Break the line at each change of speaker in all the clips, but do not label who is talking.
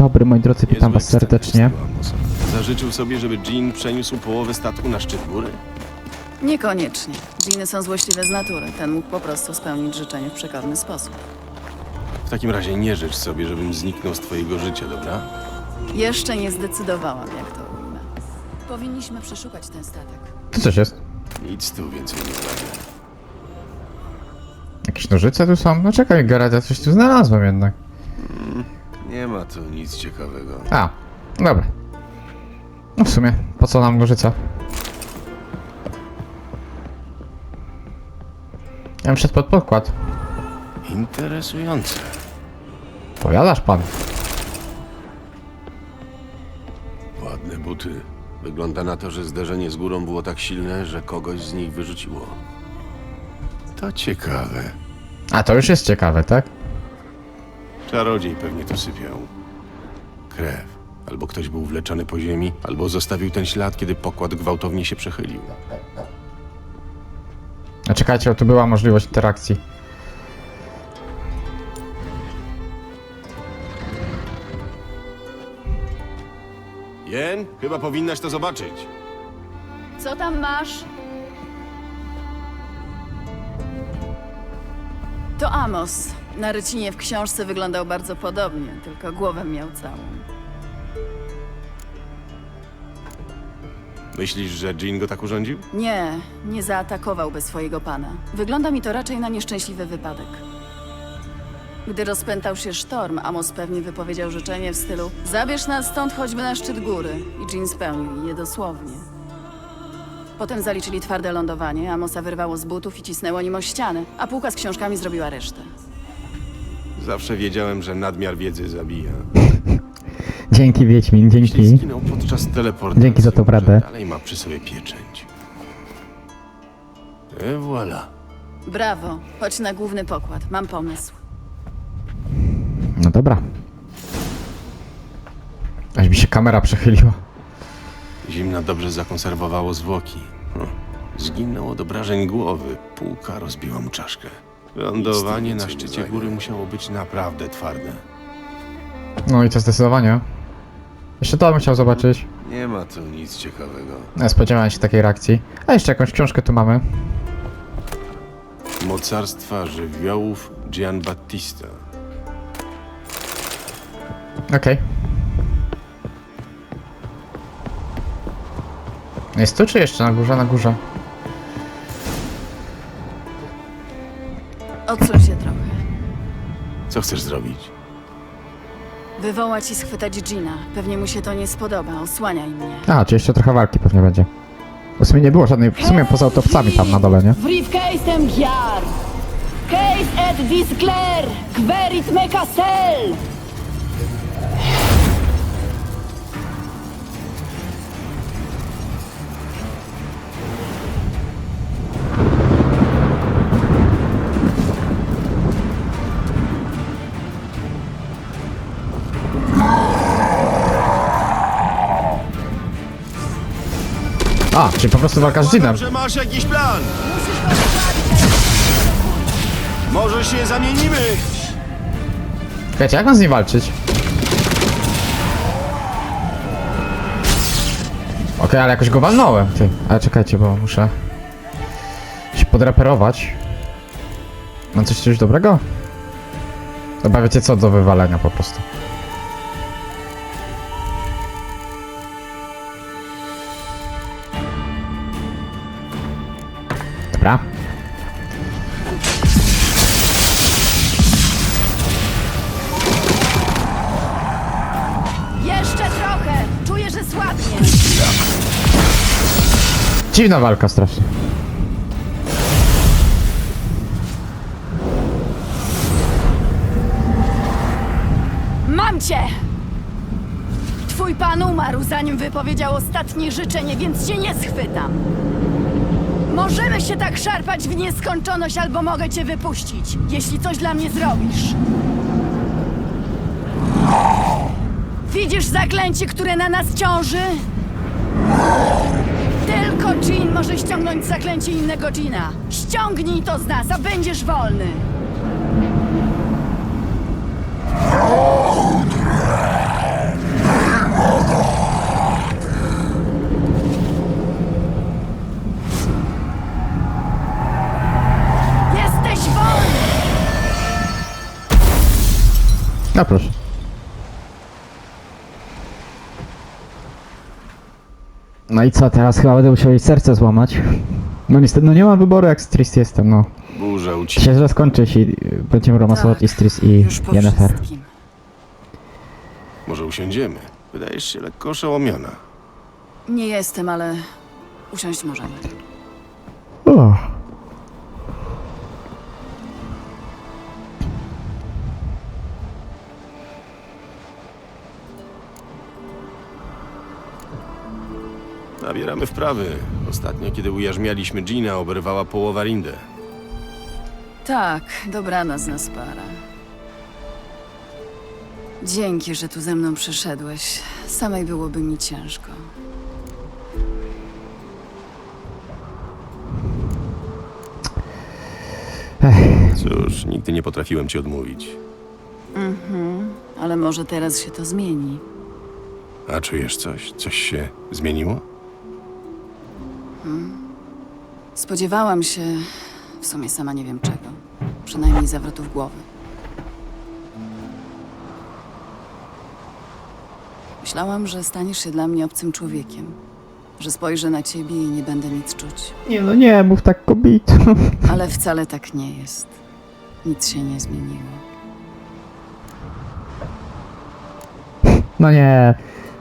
dobry, moi drodzy, witam was serdecznie.
Zażyczył sobie, żeby Jean przeniósł połowę statku na szczyt góry?
Niekoniecznie. Dżiny są złośliwe z natury. Ten mógł po prostu spełnić życzenie w przekorny sposób.
W takim razie nie życz sobie, żebym zniknął z twojego życia, dobra?
Jeszcze nie zdecydowałam, jak to ujmę. Powinniśmy przeszukać ten statek.
Tu coś jest?
Nic tu więcej nie znajdę.
Jakieś nożyce tu są? No czekaj, Geralt, ja coś tu znalazłem jednak.
Nie ma tu nic ciekawego.
A, dobra. No w sumie, po co nam nożyca? Ja bym szedł pod podkład.
Interesujące.
Powiadasz pan?
Ładne buty. Wygląda na to, że zderzenie z górą było tak silne, że kogoś z nich wyrzuciło. To ciekawe.
A to już jest ciekawe, tak?
Czarodziej pewnie tu sypiał. Krew. Albo ktoś był wleczony po ziemi, albo zostawił ten ślad, kiedy pokład gwałtownie się przechylił.
A czekajcie, tu była możliwość interakcji.
Jen, chyba powinnaś to zobaczyć.
Co tam masz? To Amos. Na rycinie w książce wyglądał bardzo podobnie, tylko głowę miał całą.
Myślisz, że Jean go tak urządził?
Nie zaatakowałby swojego pana. Wygląda mi to raczej na nieszczęśliwy wypadek. Gdy rozpętał się sztorm, Amos pewnie wypowiedział życzenie w stylu: zabierz nas stąd choćby na szczyt góry. I Jean spełnił je dosłownie. Potem zaliczyli twarde lądowanie, Amosa wyrwało z butów i cisnęło nim o ścianę, a półka z książkami zrobiła resztę.
Zawsze wiedziałem, że nadmiar wiedzy zabija.
Dzięki, Wiedźmin,
Jeśli
dzięki.
zginął podczas teleportacji,
Dzięki za tą
może
radę.
dalej ma przy sobie pieczęć. Et voilà.
Brawo, chodź na główny pokład, mam pomysł.
No dobra. Aż mi się kamera przechyliła.
Zimna dobrze zakonserwowało zwłoki. Zginął od obrażeń głowy. Półka rozbiła mu czaszkę. Lądowanie na szczycie góry musiało być naprawdę twarde.
No i to zdecydowanie. Jeszcze to bym chciał zobaczyć.
Nie ma tu nic ciekawego.
Nie spodziewałem się takiej reakcji. A jeszcze jakąś książkę tu mamy.
Mocarstwa żywiołów Giambattista.
Okej. Jest tu czy jeszcze na górze? Na górze.
Odsuń się trochę.
Co chcesz zrobić?
Wywołać i schwytać Gina. Pewnie mu się to nie spodoba, osłaniaj mnie.
A, czy jeszcze trochę walki pewnie będzie. W sumie nie było żadnej, w sumie poza autopsami tam na dole, nie?
Briefcase'em giar! Case et discler! Querit me castel!
A, czyli po prostu walka z Jeanem.
Że masz jakiś plan! Może się zamienimy!
Czekajcie, jak mam z nim walczyć? Okej, ale jakoś go walnąłem, ty. Ale czekajcie, bo muszę się podreperować. Mam coś dobrego? Chyba wiecie co, do wywalenia po prostu. Dobra.
Jeszcze trochę! Czuję, że słabnie!
Dziwna walka strasznie.
Mam cię! Twój pan umarł, zanim wypowiedział ostatnie życzenie, więc cię nie schwytam. Możemy się tak szarpać w nieskończoność, albo mogę cię wypuścić, jeśli coś dla mnie zrobisz. Widzisz zaklęcie, które na nas ciąży? Tylko Jean może ściągnąć zaklęcie innego Jeana. Ściągnij to z nas, a będziesz wolny.
A proszę. No i co, teraz chyba będę musiał jej serce złamać. No niestety, no nie mam wyboru, jak z Tris jestem, no.
Burza ucichła.
Się źle skończy, jeśli będziemy romansować
Tak,
i z Tris i
Już po
Yennefer.
wszystkim.
Może usiądziemy? Wydajesz się lekko oszołomiona.
Nie jestem, ale usiąść możemy.
O.
Nabieramy wprawy. Ostatnio, kiedy ujarzmialiśmy Gina, oberwała połowa Rindę.
Tak, dobranoc nas para. Dzięki, że tu ze mną przyszedłeś. Samej byłoby mi ciężko.
Cóż, nigdy nie potrafiłem ci odmówić.
Ale może teraz się to zmieni.
A czujesz coś? Coś się zmieniło?
Spodziewałam się, w sumie sama nie wiem czego. Przynajmniej zawrotów głowy. Myślałam, że staniesz się dla mnie obcym człowiekiem. Że spojrzę na ciebie i nie będę nic czuć.
Nie no nie, mów tak kobieto.
Ale wcale tak nie jest. Nic się nie zmieniło.
No nie.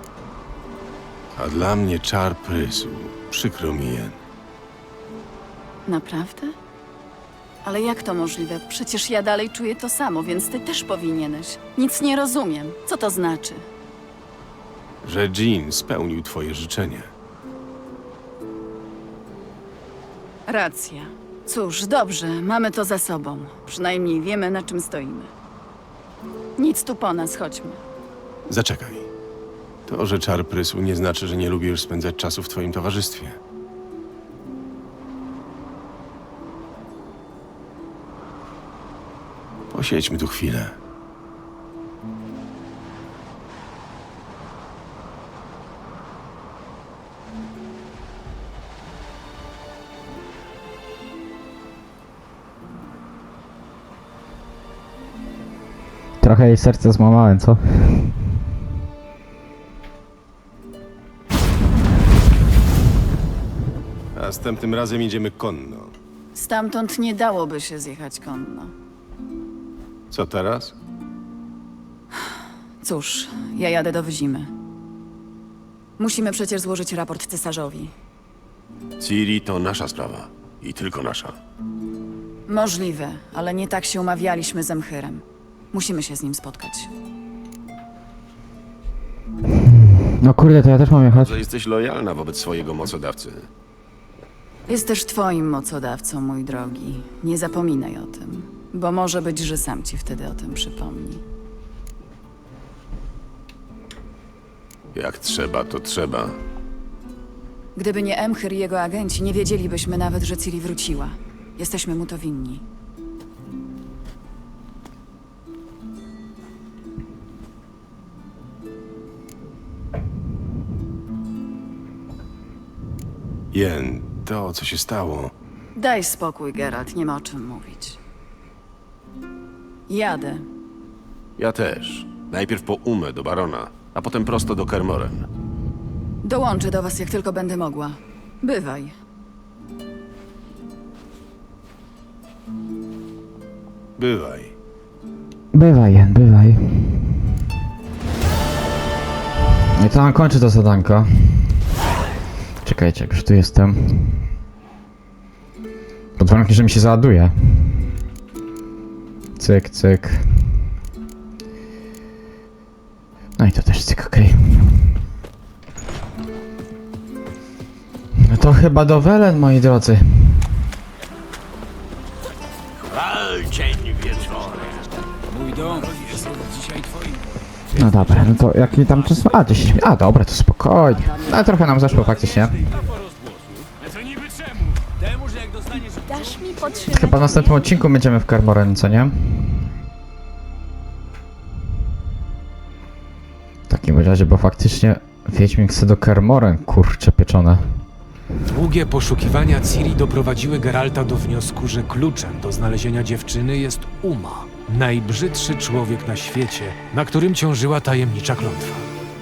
A dla mnie czar prysu. Przykro mi, Jen.
Naprawdę? Ale jak to możliwe? Przecież ja dalej czuję to samo, więc ty też powinieneś. Nic nie rozumiem. Co to znaczy?
Że Jean spełnił twoje życzenie.
Racja. Cóż, dobrze, mamy to za sobą. Przynajmniej wiemy, na czym stoimy. Nic tu po nas, chodźmy.
Zaczekaj. To, że czar prysu nie znaczy, że nie lubisz spędzać czasu w twoim towarzystwie. Posiedźmy tu chwilę.
Trochę jej serce złamałem, co?
A następnym razem idziemy konno.
Stamtąd nie dałoby się zjechać konno.
Co teraz?
Cóż, ja jadę do Wyzimy. Musimy przecież złożyć raport cesarzowi.
Ciri to nasza sprawa. I tylko nasza.
Możliwe, ale nie tak się umawialiśmy z Emchyrem. Musimy się z nim spotkać.
No kurde, to ja też mam jechać.
Że jesteś lojalna wobec swojego mocodawcy.
Jest też twoim mocodawcą, mój drogi. Nie zapominaj o tym, bo może być, że sam ci wtedy o tym przypomni.
Jak trzeba, to trzeba.
Gdyby nie Emchyr i jego agenci, nie wiedzielibyśmy nawet, że Ciri wróciła. Jesteśmy mu to winni.
Jen, to co się stało.
Daj spokój, Geralt, nie ma o czym mówić. Jadę.
Ja też. Najpierw po Umę do barona, a potem prosto do Kermoren.
Dołączę do was, jak tylko będę mogła. Bywaj.
Bywaj.
Bywaj, Jen, bywaj. No i to nam kończy to zadanko. Czekajcie, jak już tu jestem. Pod warunkiem, że mi się załaduje. Cyk, cyk. No i to też cyk, okej. No to chyba do Welen, moi drodzy.
Cień wieczorem.
Mój dom jest od dzisiaj twoim.
No dobra, no to jaki tam czas? A, 10 minut. A, dobra, to spokojnie. No trochę nam zeszło faktycznie.
Co niby czemu? Temu, że jak dostaniesz...
Dasz mi podtrzymać
Chyba w następnym odcinku będziemy w Kermoren, co nie? W takim razie, bo faktycznie Wiedźmin chce do Kermoren, kurcze pieczone.
Długie poszukiwania Ciri doprowadziły Geralta do wniosku, że kluczem do znalezienia dziewczyny jest Uma. Najbrzydszy człowiek na świecie, na którym ciążyła tajemnicza klątwa.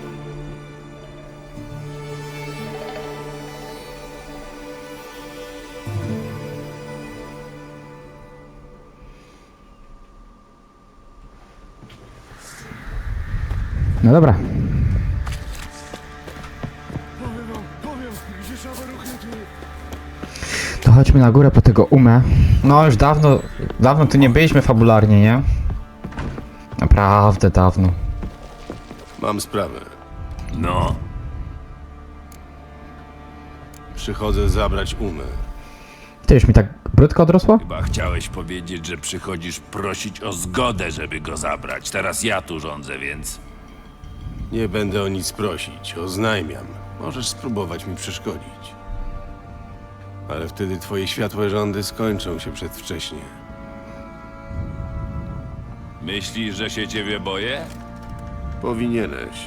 No dobra. To chodźmy na górę po tego Umę. No już dawno tu nie byliśmy fabularnie, nie? Naprawdę dawno.
Mam sprawę.
No,
Przychodzę zabrać Umę.
Ty już mi tak brudka odrosła?
chyba chciałeś powiedzieć, że przychodzisz prosić o zgodę, żeby go zabrać. Teraz ja tu rządzę, więc...
Nie będę o nic prosić, oznajmiam. Możesz spróbować mi przeszkodzić. Ale wtedy twoje światłe rządy skończą się przedwcześnie.
Myślisz, że się ciebie boję?
Powinieneś.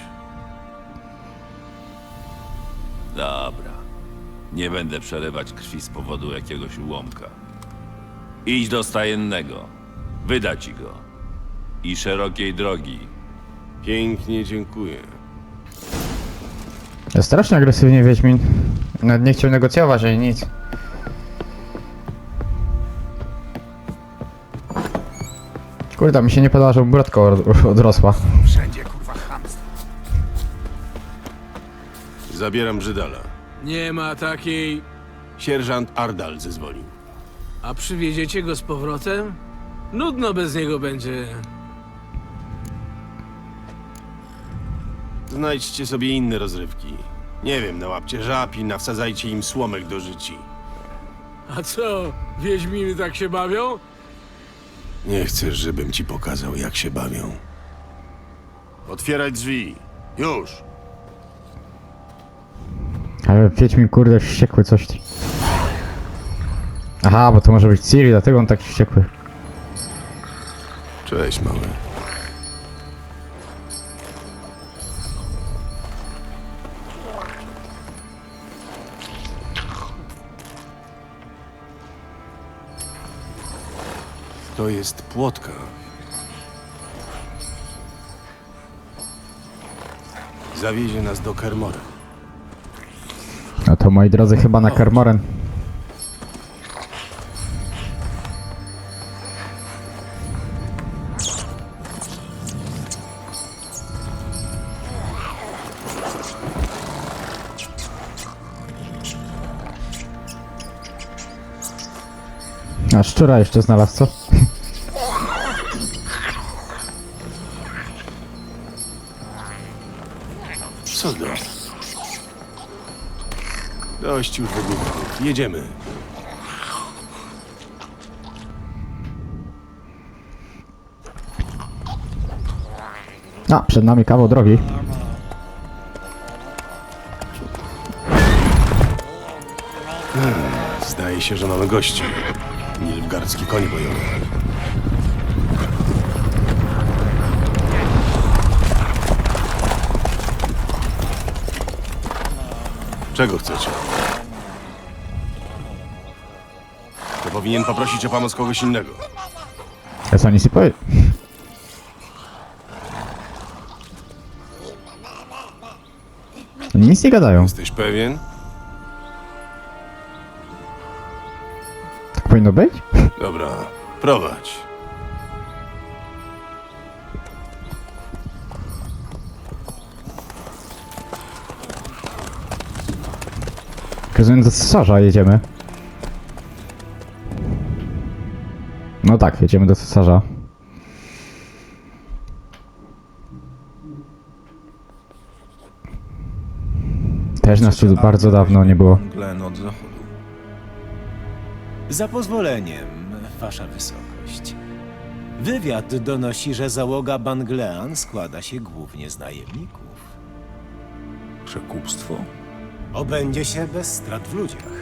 Dobra. Nie będę przelewać krwi z powodu jakiegoś ułomka. Idź do stajennego. Wyda ci go. I szerokiej drogi.
Pięknie dziękuję.
Jest strasznie agresywnie Wiedźmin. Nawet nie chciał negocjować ani nic. Kurde, mi się nie podoba, że brodka odrosła.
Wszędzie, kurwa, chamstwo.
Zabieram Brzydala.
Nie ma takiej...
Sierżant Ardal zezwolił.
A przywieziecie go z powrotem? Nudno bez niego będzie.
Znajdźcie sobie inne rozrywki. Nie wiem, nałapcie żab i nawsadzajcie im słomek do życi.
A co, wiedźminy tak się bawią?
Nie chcesz, żebym ci pokazał, jak się bawią. Otwierać drzwi. Już!
Ale Wiedźmin kurde wściekły coś. Aha, bo to może być Ciri, dlatego on taki wściekły.
Cześć, mały. To jest płotka. Zawiezie nas do Kermoren.
No to moi drodzy chyba na Kermoren. A szczura jeszcze znalazł, co?
Co do? Dość już wygłupów. Jedziemy.
A, przed nami kawał drogi.
Zdaje się, że mamy gości. Nilfgaardzki koń bojowy. Czego chcecie? To powinien poprosić o pomoc kogoś innego.
Ja co nic nie powiem. Oni nic nie gadają.
Jesteś pewien?
Tak powinno być?
Dobra, prowadź.
Rozumiem, do cesarza jedziemy. No tak, jedziemy do cesarza. Też nas tu bardzo dawno nie było.
Glen od zachodu. Za pozwoleniem, wasza wysokość. Wywiad donosi, że załoga Banglean składa się głównie z najemników.
Przekupstwo?
Obędzie się bez strat w ludziach.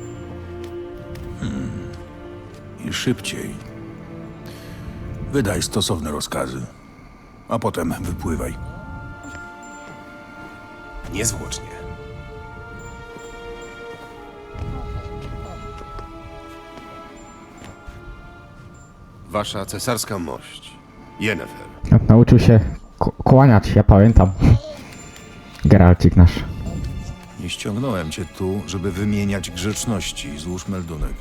I szybciej. Wydaj stosowne rozkazy, a potem wypływaj.
Niezwłocznie.
Wasza cesarska mość. Yennefer.
Nauczył się kłaniać, ja pamiętam. Geralcik nasz.
Nie ściągnąłem cię tu, żeby wymieniać grzeczności. Złóż meldunek.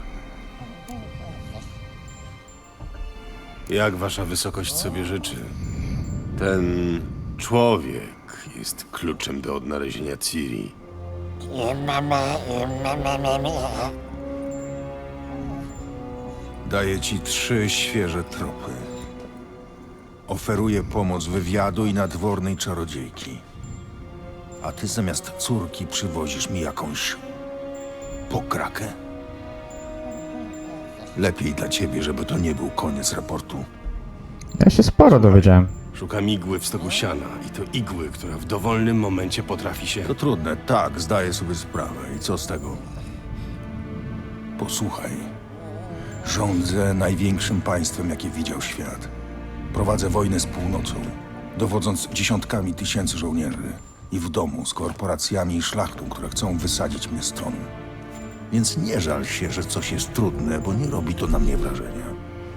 Jak wasza wysokość sobie życzy? Ten człowiek jest kluczem do odnalezienia Ciri.
Daję ci 3 świeże tropy. Oferuję pomoc wywiadu i nadwornej czarodziejki. A ty zamiast córki przywozisz mi jakąś pokrakę? Lepiej dla ciebie, żeby to nie był koniec raportu.
Ja się sporo dowiedziałem.
Szukam igły w stogu siana i to igły, która w dowolnym momencie potrafi się...
To trudne, tak, zdaję sobie sprawę. I co z tego? Posłuchaj. Rządzę największym państwem, jakie widział świat. Prowadzę wojnę z północą, dowodząc dziesiątkami tysięcy żołnierzy. I w domu z korporacjami i szlachtą, które chcą wysadzić mnie z tronu. Więc nie żal się, że coś jest trudne, bo nie robi to na mnie wrażenia.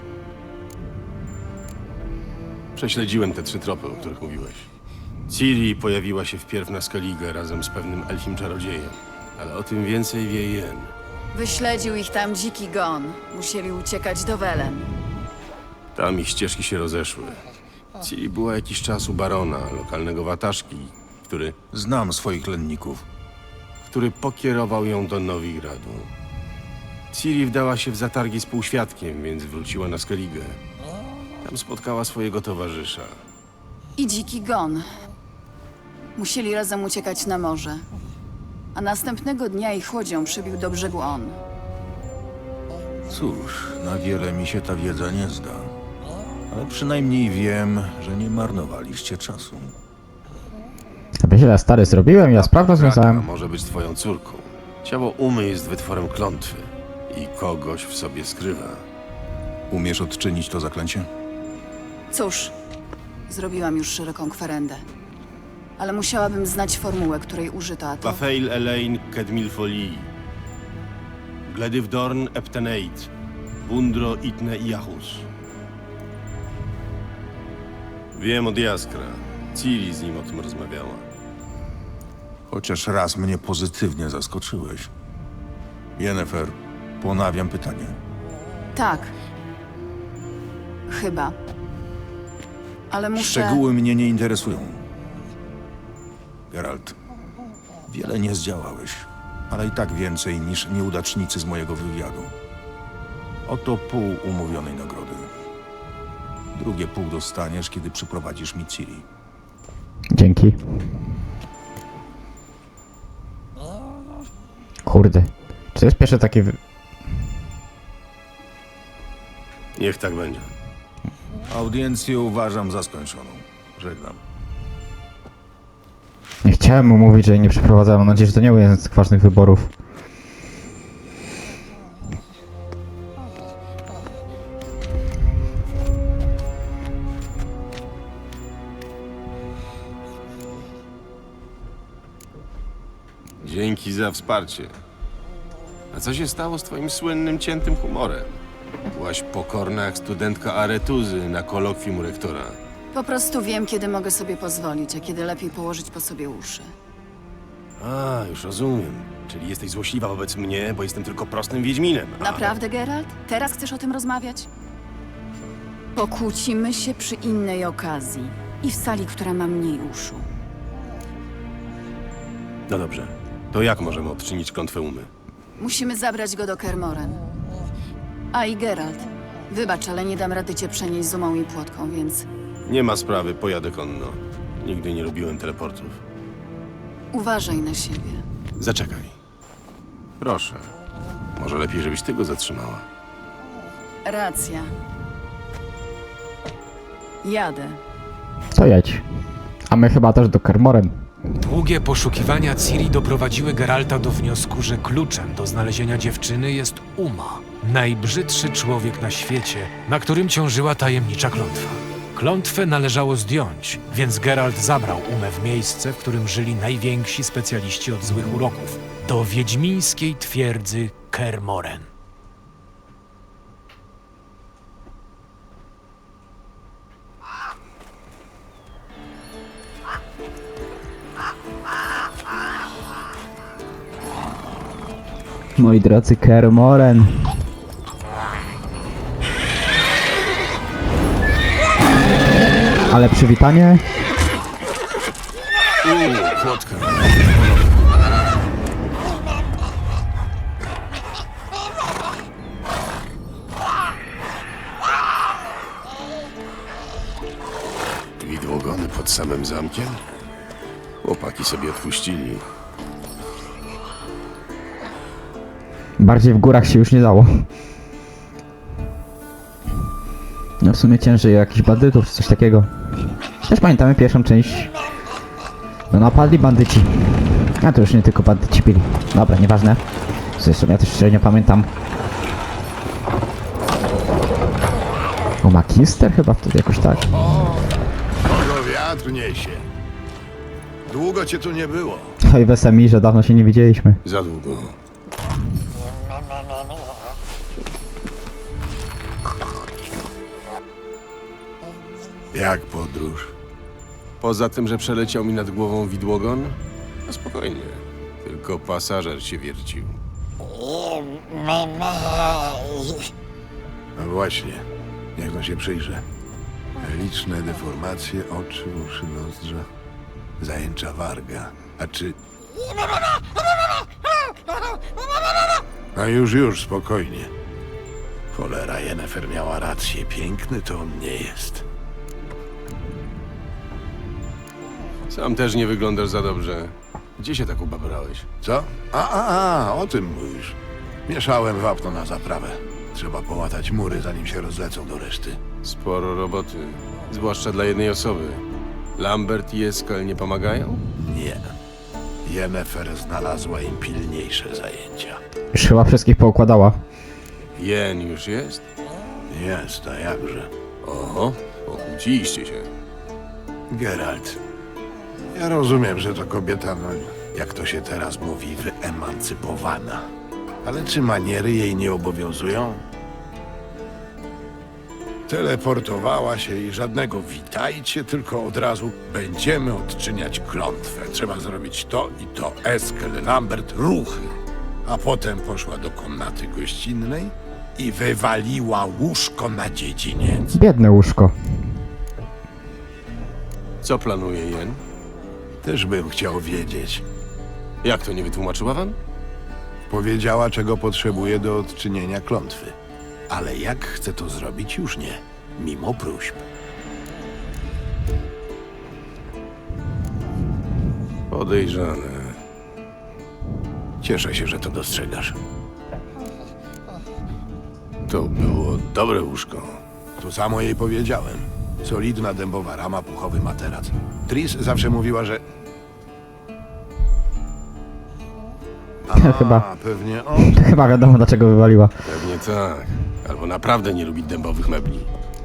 Prześledziłem te 3 tropy, o których mówiłeś. Ciri pojawiła się wpierw na Skellige razem z pewnym elfim czarodziejem. Ale o tym więcej wie Yen.
Wyśledził ich tam dziki gon. Musieli uciekać do Welen.
Tam ich ścieżki się rozeszły. Ciri była jakiś czas u barona, lokalnego wataszki,
Znam swoich lenników.
który pokierował ją do Nowigradu. Ciri wdała się w zatargi z półświadkiem, więc wróciła na Skellige. Tam spotkała swojego towarzysza.
I dziki gon. Musieli razem uciekać na morze. A następnego dnia ich łodzią przybił do brzegu on.
Cóż, na wiele mi się ta wiedza nie zda. Ale przynajmniej wiem, że nie marnowaliście czasu.
Aby źle stary zrobiłem, ja sprawę
Kraka
związałem.
może być twoją córką. Ciało Umy jest wytworem klątwy i kogoś w sobie skrywa.
Umiesz odczynić to zaklęcie?
Cóż, zrobiłam już szeroką kwerendę. Ale musiałabym znać formułę, której użyto, a to...
Wafeil Elaine Kedmilfoli. Gledivdorn Epteneit. Bundro Itne Iachus. Wiem od Jaskra. Ciri z nim o tym rozmawiała.
Chociaż raz mnie pozytywnie zaskoczyłeś. Yennefer, ponawiam pytanie.
Tak. Chyba. Ale muszę...
Szczegóły mnie nie interesują. Geralt, wiele nie zdziałałeś, ale i tak więcej niż nieudacznicy z mojego wywiadu. Oto pół umówionej nagrody. Drugie pół dostaniesz, kiedy przyprowadzisz mi Ciri.
Dzięki. Kurde. Czy to jest pierwsze takie...
Niech tak będzie.
Audiencję uważam za skończoną. Żegnam.
Nie chciałem mu mówić, że jej nie przeprowadzałem. Mam nadzieję, że to nie był jeden z ważnych wyborów.
Dzięki za wsparcie. A co się stało z twoim słynnym ciętym humorem? Byłaś pokorna jak studentka aretuzy na kolokwium rektora.
Po prostu wiem, kiedy mogę sobie pozwolić, a kiedy lepiej położyć po sobie uszy.
A, już rozumiem. Czyli jesteś złośliwa wobec mnie, bo jestem tylko prostym wiedźminem.
Naprawdę, Geralt? Teraz chcesz o tym rozmawiać? Pokłócimy się przy innej okazji. I w sali, która ma mniej uszu.
No dobrze. To jak możemy odczynić klątwę Umy?
Musimy zabrać go do Kermoren. A i Geralt. Wybacz, ale nie dam rady cię przenieść z umą i płotką, więc...
Nie ma sprawy, pojadę konno. Nigdy nie lubiłem teleportów.
Uważaj na siebie.
Zaczekaj. Proszę. Może lepiej, żebyś ty go zatrzymała.
Racja. Jadę.
To jedź. A my chyba też do Kermoren.
Długie poszukiwania Ciri doprowadziły Geralta do wniosku, że kluczem do znalezienia dziewczyny jest Uma, najbrzydszy człowiek na świecie, na którym ciążyła tajemnicza klątwa. Klątwę należało zdjąć, więc Geralt zabrał Umę w miejsce, w którym żyli najwięksi specjaliści od złych uroków, do wiedźmińskiej twierdzy Kermoren.
Moi drodzy, Kermoren. Ale przywitanie.
Płotka. Widłogony pod samym zamkiem? Chłopaki sobie odpuścili.
Bardziej w górach się już nie dało. No w sumie ciężej jakichś bandytów czy coś takiego. Też pamiętamy pierwszą część. No napadli bandyci. A to już nie tylko bandyci byli. Dobra, nieważne. Zresztą ja też szczerze nie pamiętam. O, Magister chyba wtedy jakoś tak.
Kogo wiatr niesie. Długo cię tu nie było.
Oj, Wesemi, że dawno się nie widzieliśmy.
Za długo.
Jak podróż?
Poza tym, że przeleciał mi nad głową widłogon? No spokojnie. Tylko pasażer się wiercił.
No właśnie, niech no się przyjrzę. Liczne deformacje, oczy, uszy, nozdrza. Zajęcza warga. A czy... No już, spokojnie. Cholera, Yennefer miała rację. Piękny to on nie jest.
Sam też nie wyglądasz za dobrze. Gdzie się tak ubabrałeś?
Co? O tym mówisz. Mieszałem wapno na zaprawę. Trzeba połatać mury, zanim się rozlecą do reszty.
Sporo roboty. Zwłaszcza dla jednej osoby. Lambert i Eskel nie pomagają?
Nie. Yennefer znalazła im pilniejsze zajęcia.
Już chyba wszystkich poukładała.
Jen już jest?
Jest, a jakże.
Oho, pokłóciliście się.
Geralt, ja rozumiem, że to kobieta, no, jak to się teraz mówi, wyemancypowana. Ale czy maniery jej nie obowiązują? Teleportowała się i żadnego witajcie, tylko od razu będziemy odczyniać klątwę. Trzeba zrobić to i to. Eskel, Lambert, ruchy. A potem poszła do komnaty gościnnej i wywaliła łóżko na dziedziniec.
Biedne łóżko.
Co planuje Jen?
Też bym chciał wiedzieć.
Jak to, nie wytłumaczyła wam?
Powiedziała, czego potrzebuje do odczynienia klątwy. Ale jak chce to zrobić, już nie. Mimo próśb.
Podejrzane.
Cieszę się, że to dostrzegasz.
To było dobre łóżko.
To samo jej powiedziałem. Solidna dębowa rama, puchowy materac. Tris zawsze mówiła, że...
Chyba.
Pewnie on.
Chyba wiadomo dlaczego wywaliła.
Pewnie tak. Albo naprawdę nie lubi dębowych mebli.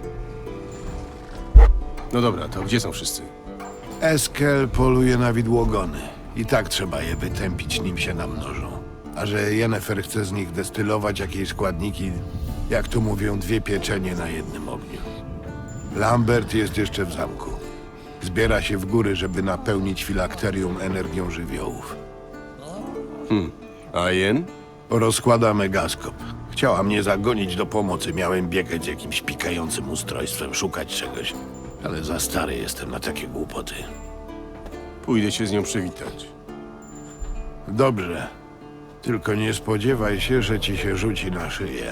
No dobra, to gdzie są wszyscy?
Eskel poluje na widłogony. I tak trzeba je wytępić, nim się namnożą. A że Yennefer chce z nich destylować jakieś składniki, jak tu mówią, 2 pieczenie na jednym ogniu. Lambert jest jeszcze w zamku. Zbiera się w góry, żeby napełnić filakterium energią żywiołów.
A Jen?
Rozkłada megaskop. Chciała mnie zagonić do pomocy. Miałem biegać jakimś pikającym ustrojstwem, szukać czegoś. Ale za stary jestem na takie głupoty.
Pójdę się z nią przywitać.
Dobrze. Tylko nie spodziewaj się, że ci się rzuci na szyję.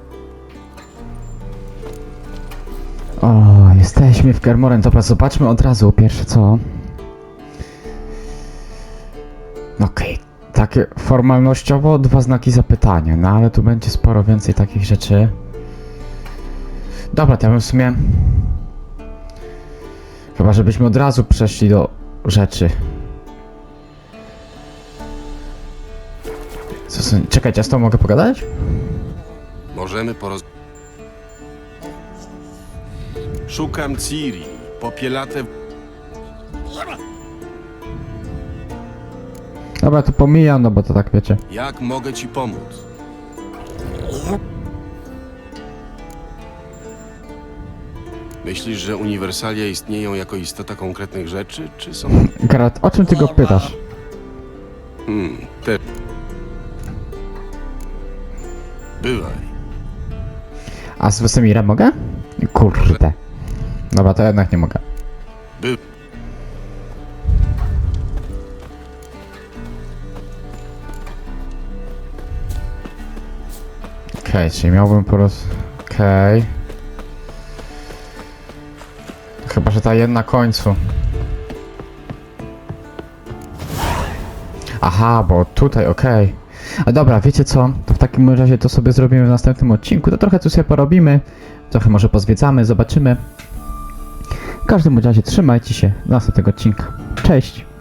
O, jesteśmy w Kermoren. Dobra, zobaczmy od razu pierwsze co. Okej, takie formalnościowo 2 znaki zapytania, no ale tu będzie sporo więcej takich rzeczy. Dobra, to ja bym w sumie... Chyba, żebyśmy od razu przeszli do rzeczy. Czekajcie, ja z tobą mogę pogadać?
Możemy Szukam Ciri. Popielate...
Dobra, to pomijam, no bo to tak wiecie.
Jak mogę ci pomóc? Myślisz, że uniwersalia istnieją jako istota konkretnych rzeczy, czy są...
Geralt, o czym ty go pytasz?
Te... Bywaj.
A z Wesemirem mogę? Kurde. Dobra, to jednak nie mogę.
By...
Okej, czyli miałbym po prostu... Okej. Chyba, że ta jedna końcu. Aha, bo tutaj, okej. A dobra, wiecie co? To w takim razie to sobie zrobimy w następnym odcinku. To trochę tu sobie porobimy. Trochę może pozwiedzamy, zobaczymy. W każdym razie trzymajcie się do następnego odcinka. Cześć!